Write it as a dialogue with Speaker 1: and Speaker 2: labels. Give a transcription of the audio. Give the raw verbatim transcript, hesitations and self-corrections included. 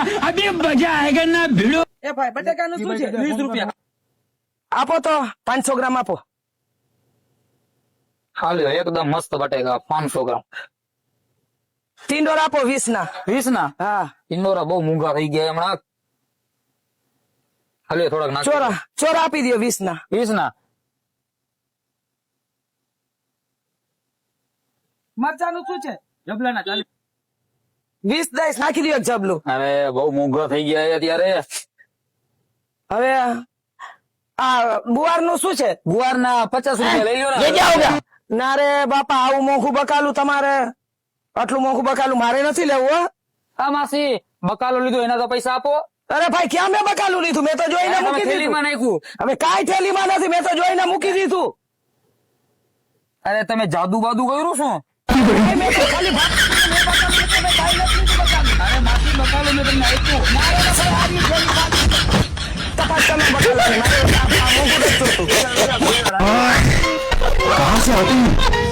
Speaker 1: अभी मजा आएगा ना भिड़ो।
Speaker 2: એ ભાઈ બટેકાનું શું છે વીસ રૂપિયા
Speaker 3: આપો તો પાંચસો ગ્રામ આપો.
Speaker 4: હાલ્યો એકદમ મસ્ત બટેકા પાંચસો ગ્રામ.
Speaker 3: ટીંડોર આપો વીસ ના.
Speaker 4: વીસ ના
Speaker 3: હા
Speaker 4: ઇન્દોરા બહુ મોંઘા થઈ ગયા હમણાં. હાલ્યો થોડાક નાખ.
Speaker 3: ચોરા ચોરા આપી દો વીસ ના.
Speaker 4: વીસ ના
Speaker 2: મરચાનું શું છે જબલાના ચાલીસ
Speaker 3: વીસ દઈશ નાખી દો એક જબલું.
Speaker 4: હવે બહુ મોંઘા થઈ ગયા છે અત્યારે.
Speaker 3: હવે આ ગુવાર નું શું છે?
Speaker 4: ગુવાર ના પચાસ રૂપિયા લઈ લો
Speaker 3: લઈ
Speaker 4: ને.
Speaker 3: જાઓ ગયા. ના રે બાપા આવું મોંઘું બકાલું તમારે આટલું મોંઘું બકાલું મારે નથી લેવું હો.
Speaker 4: હા માસી બકાલો લીધો એના તો પૈસા આપો.
Speaker 3: અરે ભાઈ ક્યાં મેં બકાલું લીધું? મેં તો જોઈને
Speaker 4: તમે
Speaker 3: મૂકી દીધું.
Speaker 4: થેલીમાં નાખ્યું.
Speaker 3: હવે કાંઈ થેલીમાં નથી, મેં તો જોઈને મૂકી દીધું.
Speaker 4: અરે તમે જાદુ બાદુ કર્યું શું?
Speaker 3: ભાઈ, મેં તો ખાલી ભાત-
Speaker 4: અરે માસી બકાલો મેં તમને આપ્યું.
Speaker 3: મારે તો ભાઈ આવી થેલી ભાત- તપાસ તમે બકાલાની. મારે આ- આ મોંઘું જ જોતું.
Speaker 1: कहाँ से आती